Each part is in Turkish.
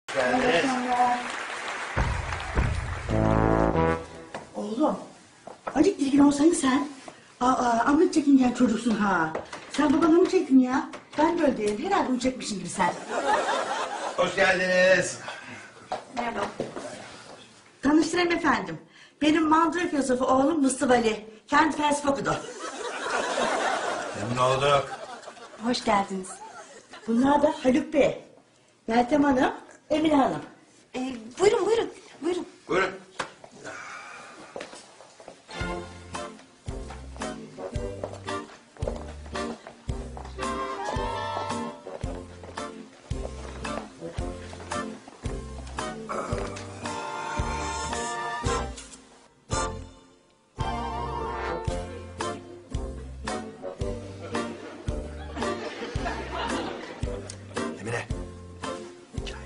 Evet. Oğlum, acık ilgin olsaydın sen. Amma çekingen çocuksun ha. Sen babana mı çektin ya? Ben böyle değilim. Herhalde onu çekmişsin gibi sen. Hoş geldiniz. Merhaba. Tanıştırayım efendim. Benim mandıra filozofu oğlum Mustafa Ali. Kendi felsefe okudu. Memnun olduk. Hoş geldiniz. Bunlar da Haluk Bey, Meltem Hanım, Emine Hanım. Buyurun. Buyurun. Emine. Çay.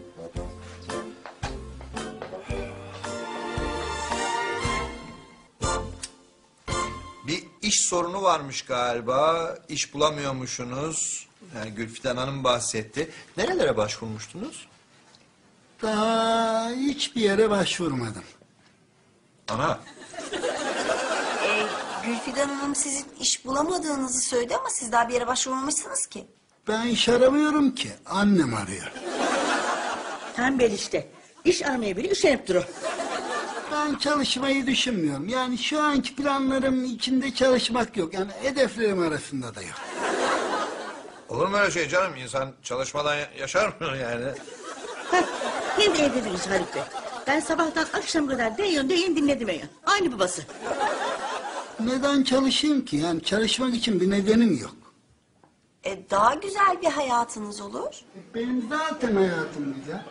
Bir iş sorunu varmış galiba. İş bulamıyormuşsunuz. Yani Gülfiden Hanım bahsetti. Nerelere başvurmuştunuz? Daha hiçbir yere başvurmadım. Ana. Gülfidan Hanım sizin iş bulamadığınızı söyledi ama siz daha bir yere başvurmamışsınız ki. Ben iş aramıyorum ki. Annem arıyor. Tembel işte. İş aramaya bile üşenip durur. Ben çalışmayı düşünmüyorum. Yani şu anki planlarım içinde çalışmak yok. Yani hedeflerim arasında da yok. Olur mu öyle şey canım? İnsan çalışmadan yaşar mı yani? Heh, hem de evde değiliz Haluk Bey. Ben sabahtan akşam kadar deyin dinledim ya. Aynı babası. Neden çalışayım ki? Yani çalışmak için bir nedenim yok. Daha güzel bir hayatınız olur. Benim zaten hayatım güzel.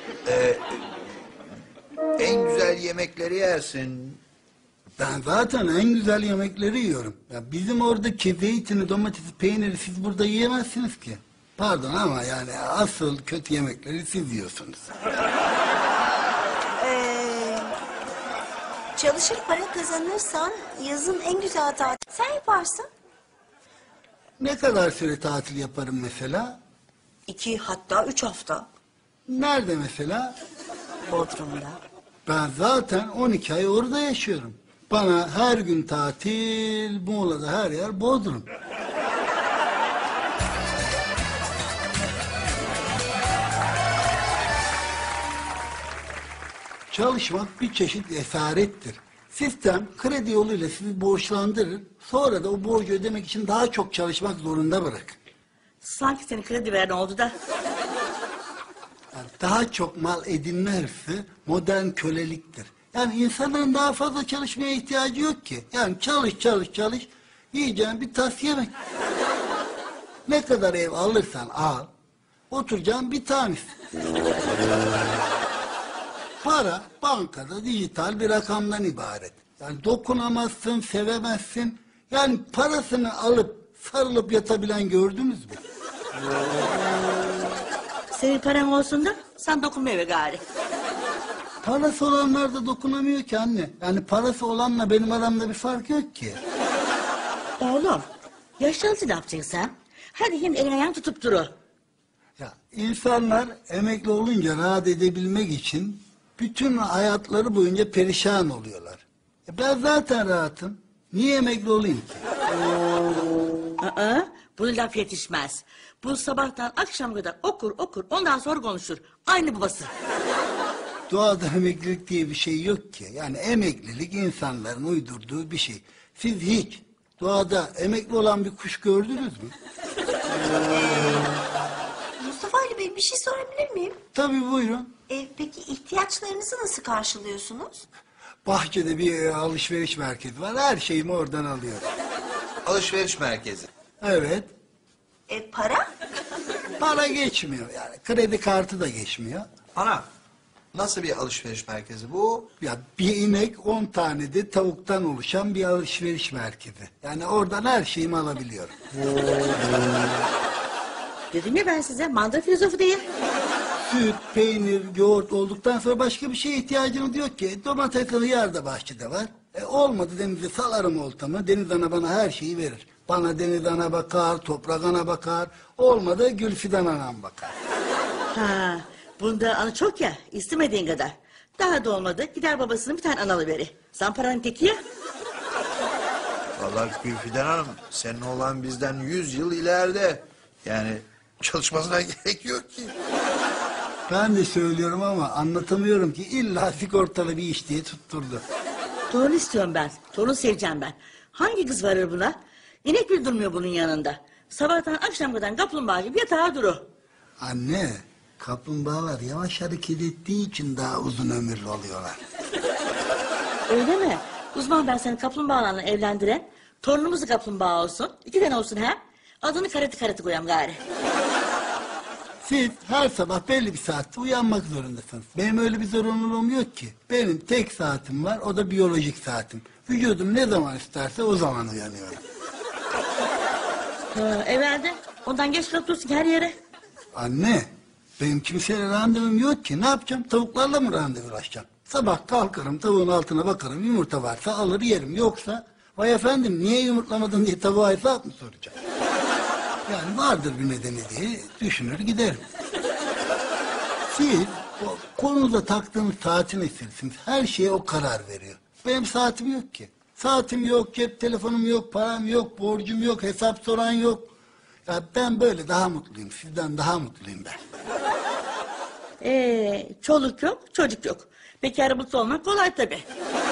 En güzel yemekleri yersin. Ben zaten en güzel yemekleri yiyorum. Ya bizim oradaki zeytini, domatesi, peyniri siz burada yiyemezsiniz ki. Pardon ama yani asıl kötü yemekleri siz yiyorsunuz. Çalışır para kazanırsan yazın en güzel tatil sen yaparsın. Ne kadar süre tatil yaparım mesela? 2 hatta 3 hafta Nerede mesela? Bodrum'da. Ben zaten 12 ay orada yaşıyorum. Bana her gün tatil, Muğla'da her yer Bodrum. Çalışmak bir çeşit esarettir. Sistem kredi yoluyla sizi borçlandırır. Sonra da o borcu ödemek için daha çok çalışmak zorunda bırakır. Sanki senin kredi veren oldu da. Yani daha çok mal edinme hırsı modern köleliktir. Yani insanların daha fazla çalışmaya ihtiyacı yok ki. Yani çalış. Yiyeceğin bir tas yemek. Ne kadar ev alırsan al. Oturacağın bir tanesi. Para bankada dijital bir rakamdan ibaret. Yani dokunamazsın, sevemezsin. Yani parasını alıp sarılıp yatabilen gördünüz mü? Senin paran olsun da sen dokunma eve gari. Parası olanlar da dokunamıyor ki anne. Yani parası olanla benim aramda bir fark yok ki. Oğlum, yaşlanınca ne yapacaksın sen? Hadi hem elin ayağın tutup duru. Ya insanlar emekli olunca rahat edebilmek için bütün hayatları boyunca perişan oluyorlar. Ben zaten rahatım. Niye emekli olayım ki? Bunu laf yetişmez. Bu sabahtan akşam kadar okur ondan sonra konuşur. Aynı babası. Doğada emeklilik diye bir şey yok ki. Yani emeklilik insanların uydurduğu bir şey. Siz hiç doğada emekli olan bir kuş gördünüz mü? Mustafa Ali Bey bir şey sorabilir miyim? Tabii buyurun. Peki ihtiyaçlarınızı nasıl karşılıyorsunuz? Bahçede bir alışveriş merkezi var. Her şeyimi oradan alıyorum. Alışveriş merkezi. Evet. Para? Para geçmiyor yani. Kredi kartı da geçmiyor. Ana. Nasıl bir alışveriş merkezi bu? Ya bir inek 10 tane de tavuktan oluşan bir alışveriş merkezi. Yani oradan her şeyimi alabiliyorum. Dedim ya ben size mandıra filozofu diye. Süt, peynir, yoğurt olduktan sonra başka bir şeye ihtiyacınız yok ki. Domates, hıyar da bahçede var. Olmadı denize salarım oltamı. Deniz ana bana her şeyi verir. Bana deniz ana bakar, toprak ana bakar. Olmadı Gülfidan anam bakar. Ha, Bunda anı çok ya, istemediğin kadar. Daha da olmadı, gider babasının bir tane analı veri. Zamparanın teki ya. Vallahi Gülfiden Hanım, senin oğlan bizden 100 yıl ileride. Yani çalışmasına gerek yok ki. Ben de söylüyorum ama anlatamıyorum ki illa sigortalı bir iş diye tutturdu. Torun istiyorum ben, torun seveceğim ben. Hangi kız varır buna? İnek bile durmuyor bunun yanında. Sabahtan akşam kadar kaplumbağa gibi yatağa duru. Anne, kaplumbağalar yavaş hareket ettiği için daha uzun ömürlü oluyorlar. Öyle mi? Uzman ben seni kaplumbağalarla evlendiren, torunumuz da kaplumbağa olsun. 2 tane olsun ha. Adını karate koyam gari. Siz her sabah belli bir saatte uyanmak zorundasınız. Benim öyle bir zorunluluğum yok ki. Benim tek saatim var, o da biyolojik saatim. Vücudum ne zaman isterse o zaman uyanıyorum. Evvelde ondan geç kalıp dursun her yere. Anne, benim kimseyle randevum yok ki. Ne yapacağım? Tavuklarla mı randevulaşacağım? Sabah kalkarım, tavuğun altına bakarım. Yumurta varsa alır yerim. Yoksa, vay efendim niye yumurtlamadın diye tavuğa hesap mı soracağım? Yani vardır bir nedeni diye düşünür giderim. Siz o konuda taktığınız saatin esirsiniz. Her şeye o karar veriyor. Benim saatim yok ki. Saatim yok, cep telefonum yok, param yok, borcum yok, hesap soran yok. Ya ben böyle daha mutluyum. Sizden daha mutluyum ben. Çoluk yok, çocuk yok. Bekar mutlu olmak kolay tabii.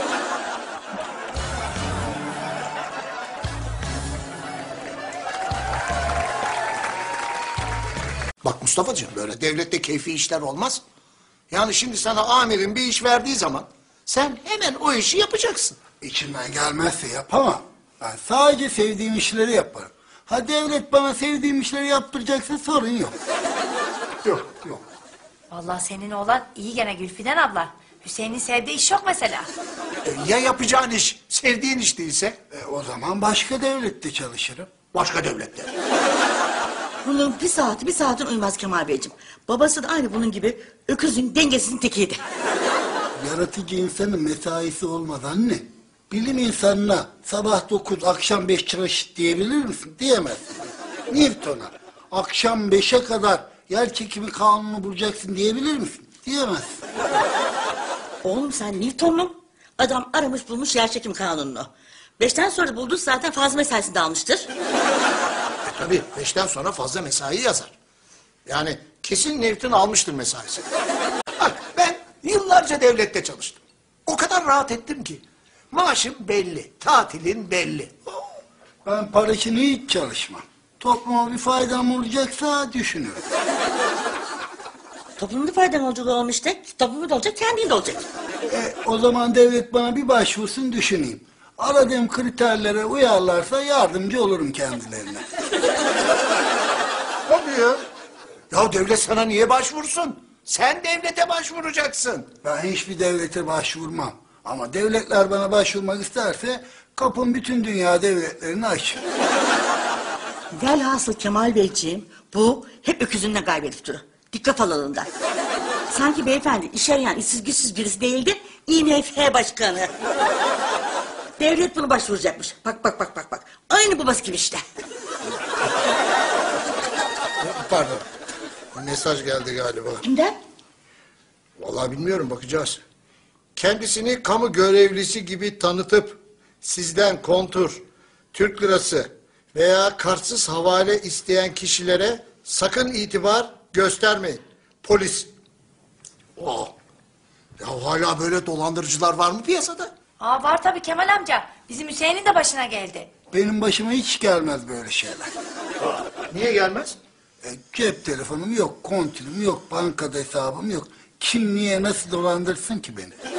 Bak Mustafa'cığım, böyle devlette keyfi işler olmaz. Yani şimdi sana amirin bir iş verdiği zaman sen hemen o işi yapacaksın. İçimden gelmezse yapamam. Ben sadece sevdiğim işleri yaparım. Ha devlet bana sevdiğim işleri yaptıracaksa sorun yok. Yok, yok. Vallahi senin oğlan iyi gene Gülfiden abla. Hüseyin'in sevdiği iş yok mesela. Ya yapacağın iş sevdiğin iş değilse? O zaman başka devlette çalışırım. Başka devlette. Bunun bir saatin uyumaz Kemal Beyciğim. Babası da aynı bunun gibi öküzün dengesinin tekiydi. Yaratıcı insanın mesaisi olmaz anne. Bilim insanına sabah 9, akşam 5 çalış diyebilir misin? Diyemezsin. Newton'a akşam 5'e kadar yer çekimi kanunu bulacaksın diyebilir misin? Diyemezsin. Oğlum sen Newton mu? Adam aramış bulmuş yerçekim kanununu. 5'ten sonra buldu zaten fazla mesaisinde almıştır. Tabii 5'ten sonra fazla mesai yazar. Yani kesin Newton almıştır mesaisi. Bak ben yıllarca devlette çalıştım. O kadar rahat ettim ki. Maaşım belli, tatilin belli. Ben para için hiç çalışmam. Topluma bir faydam olacaksa düşünürüm. Toplumda faydan olacak oğlum işte. Toplumda da olacak, kendin de olacak. O zaman devlet bana bir başvursun düşüneyim. Aradığım kriterlere uyarlarsa yardımcı olurum kendilerine. Tabii ya. Ya devlet sana niye başvursun? Sen devlete başvuracaksın. Ben hiçbir devlete başvurmam. Ama devletler bana başvurmak isterse kapım bütün dünya devletlerine açık. Velhasıl Kemal Beyciğim bu hep öküzünden kaybedip durur. Dikkat falalından. Sanki beyefendi iş arayan işsiz güçsüz birisi değildi. IMF başkanı. Devlet bunu başvuracakmış. Bak. Aynı babası gibi işte. Pardon. Bir mesaj geldi galiba. Kimden? Vallahi bilmiyorum, bakacağız. Kendisini kamu görevlisi gibi tanıtıp sizden kontur, Türk lirası veya kartsız havale isteyen kişilere sakın itibar göstermeyin. Polis. Oh. Ya hala böyle dolandırıcılar var mı piyasada? Aa var tabii Kemal amca. Bizim Hüseyin'in de başına geldi. Benim başıma hiç gelmez böyle şeyler. Niye gelmez? Cep telefonum yok, kontürüm yok, bankada hesabım yok. Kim niye nasıl dolandırsın ki beni?